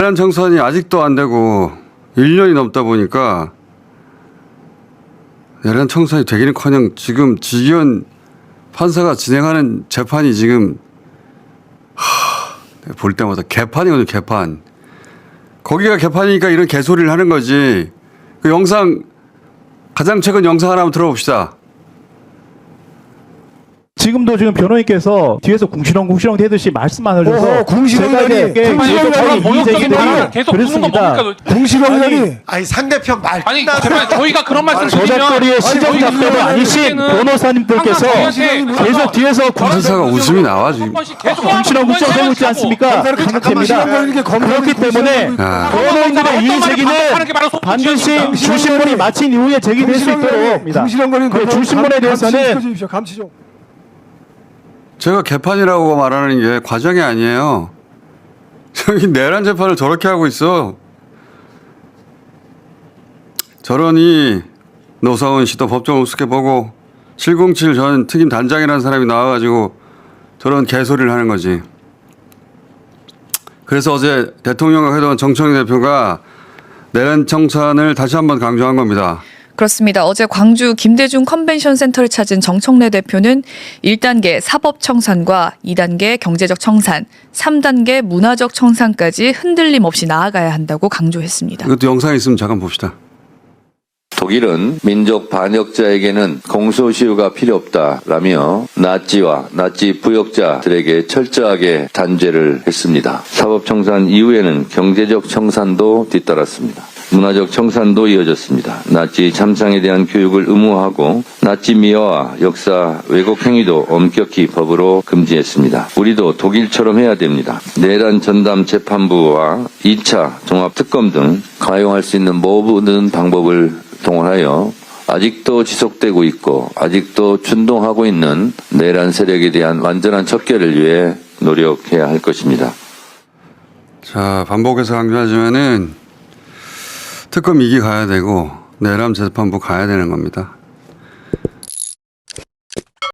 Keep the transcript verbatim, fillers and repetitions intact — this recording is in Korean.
내란 청산이 아직도 안 되고 일 년이 넘다 보니까 내란 청산이 되기는커녕 지금 지기현 판사가 진행하는 재판이 지금 하, 볼 때마다 개판이거든요. 개판. 거기가 개판이니까 이런 개소리를 하는 거지. 그 영상 가장 최근 영상 하나 한번 들어봅시다. 지금도 지금 변호인께서 뒤에서 궁시렁 궁시렁 대듯이 말씀만 하셔서 궁시렁이라니 궁시렁이라니 이 얘기들이 계속 부는 거 뭡니까? 궁시렁이라니 아니 상대편 말 아니 제발 저희가 그런 말씀 드리면 저작거리의 시정 작가도 아니신 변호사님들께서 계속 뒤에서 판사가 웃음이 나와 지금. 궁시렁 궁시렁 대고 있지 않습니까? 강력합니다. 그렇기 때문에 아. 변호인들의 이의 제기는 반드시 주신문이 마친 이후에 제기될 수 있도록 궁시렁거리는 그 주신문에 대해서는 감시, 감시 좀. 제가 개판이라고 말하는 게 과정이 아니에요. 저기 내란 재판을 저렇게 하고 있어. 저러니 노사원 씨도 법정 우습게 보고 칠공칠 전 특임 단장이라는 사람이 나와가지고 저런 개소리를 하는 거지. 그래서 어제 대통령과 회동한 정청래 대표가 내란 청산을 다시 한번 강조한 겁니다. 그렇습니다. 어제 광주 김대중 컨벤션 센터를 찾은 정청래 대표는 일 단계 사법 청산과 이 단계 경제적 청산, 삼 단계 문화적 청산까지 흔들림 없이 나아가야 한다고 강조했습니다. 이것도 영상이 있으면 잠깐 봅시다. 독일은 민족 반역자에게는 공소시효가 필요 없다라며 나치와 나치 부역자들에게 철저하게 단죄를 했습니다. 사법청산 이후에는 경제적 청산도 뒤따랐습니다. 문화적 청산도 이어졌습니다. 나치 참상에 대한 교육을 의무화하고 나치 미화와 역사 왜곡 행위도 엄격히 법으로 금지했습니다. 우리도 독일처럼 해야 됩니다. 내란 전담 재판부와 이 차 종합특검 등 가용할 수 있는 모든 방법을 동원하여 아직도 지속되고 있고 아직도 준동하고 있는 내란 세력에 대한 완전한 척결을 위해 노력해야 할 것입니다. 자, 반복해서 강조하지만은 특검 이 기 가야 되고 내란 재판부 가야 되는 겁니다.